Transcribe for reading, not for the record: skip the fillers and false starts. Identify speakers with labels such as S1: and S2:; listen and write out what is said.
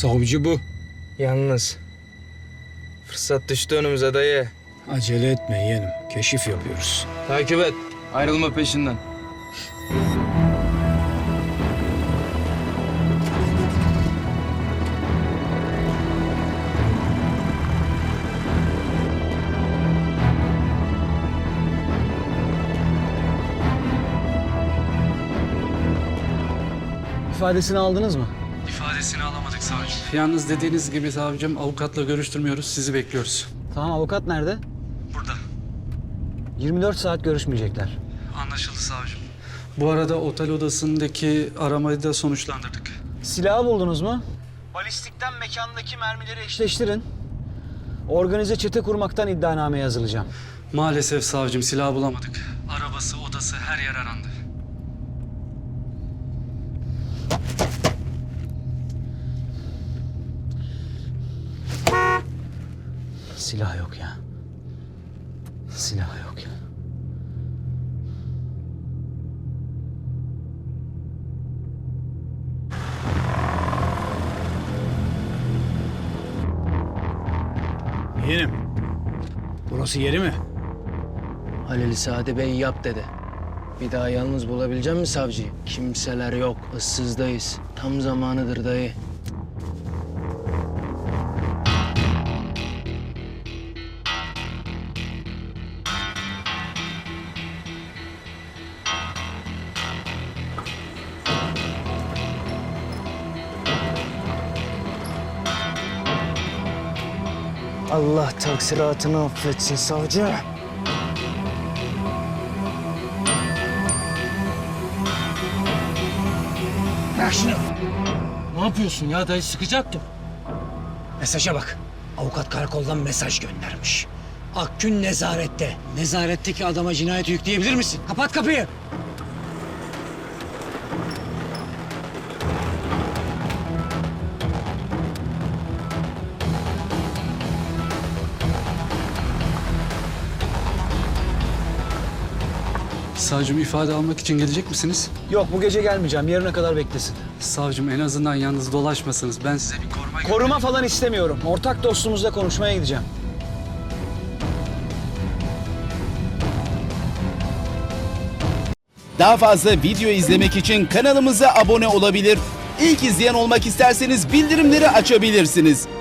S1: Savcı bu.
S2: Yalnız fırsat düştü önümüze dayı.
S1: Acele etme yeğenim. Keşif yapıyoruz.
S2: Takip et. Ayrılma peşinden.
S1: İfadesini aldınız mı?
S3: İfadesini alamadık savcım. Yalnız dediğiniz gibi savcım avukatla görüştürmüyoruz. Sizi bekliyoruz.
S1: Tamam, avukat nerede?
S3: Burada.
S1: 24 saat görüşmeyecekler.
S3: Anlaşıldı savcım. Bu arada otel odasındaki aramayı da sonuçlandırdık.
S1: Silahı buldunuz mu? Balistikten mekandaki mermileri eşleştirin. Organize çete kurmaktan iddianame yazılacağım.
S3: Maalesef savcım silah bulamadık. Arabası, odası her yer arandı.
S1: Silah yok ya. Silah yok ya. Yeğenim. Burası yeri mi?
S4: Halil Sadi Bey yap dedi. Bir daha yalnız bulabilecek misin savcıyı? Kimseler yok, ıssızdayız. Tam zamanıdır dayı. Allah taksiratını affetsin savcı.
S1: Bırak şunu.
S4: Ne yapıyorsun ya dayı sıkacaktım.
S1: Mesaja bak. Avukat karakoldan mesaj göndermiş. Akgün nezarette. Nezaretteki adama cinayet yükleyebilir misin? Kapat kapıyı.
S3: Savcım ifade almak için gelecek misiniz?
S1: Yok, bu gece gelmeyeceğim. Yarına kadar beklesin.
S3: Savcım en azından yalnız dolaşmasınız. Ben size bir koruma...
S1: Koruma falan istemiyorum. Ortak dostumuzla konuşmaya gideceğim.
S5: Daha fazla video izlemek için kanalımıza abone olabilir. İlk izleyen olmak isterseniz bildirimleri açabilirsiniz.